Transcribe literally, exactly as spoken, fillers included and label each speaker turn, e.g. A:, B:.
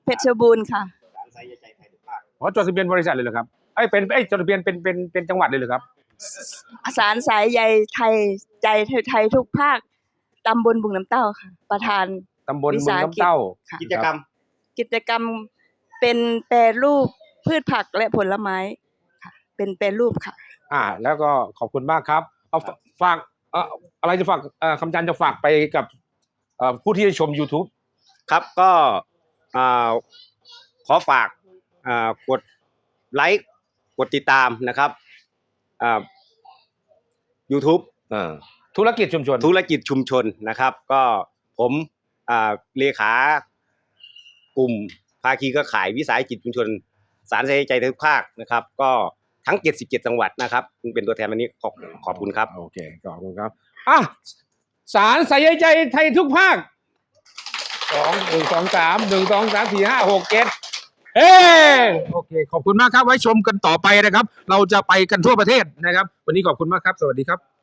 A: เพชรบูรณ์ค่ะ
B: ศาลสายใยใจไทยทุกภาค
C: อ๋อจดทะเบียนบริษัทเลยเหรอครับไอ้เป็นไอ้จดทะเบียนเป็นเป็นเป็นจังหวัดเลยเหรอครับ
A: ศาลสายใยไทยใจไทยทุกภาคตำบลบุงน้ำเต้าค่ะประธาน
C: ตำบลบุงน้ำเต้า
B: กิจกรรม
A: กิจกรรมเป็นแปรรูปพืชผักและผลไม้ค่ะเป็นแปรรูปค่ะ
C: อ่าแล้วก็ขอบคุณมากครับเอาฝากเอ่ออะไรจะฝากเอ่อคำจันจะฝากไปกับเอ่อผู้ที่ชม YouTube
B: ครับก็ขอฝากกดไลค์กดติดตามนะครับ YouTube
C: ธุรกิจชุมชน
B: ธุรกิจชุมชนนะครับก็ผมเลขากลุ่มภาคีเครือข่ายวิสาหกิจชุมชนศาลสายใยใจทุกภาคนะครับก็ทั้งเจ็ดสิบเจ็ดจังหวัดนะครับเป็นตัวแทนวันนี้ขอบขอบคุณครับ
C: โอเคขอบคุณครับอ่ะศาลสายใยใจไทยทุกภาคสองหนึ่งสองสามหนึ่งสองสามสี่ห้าหกเจ็ดเฮ้โอเคขอบคุณมากครับไว้ชมกันต่อไปนะครับเราจะไปกันทั่วประเทศนะครับวันนี้ขอบคุณมากครับสวัสดีครับ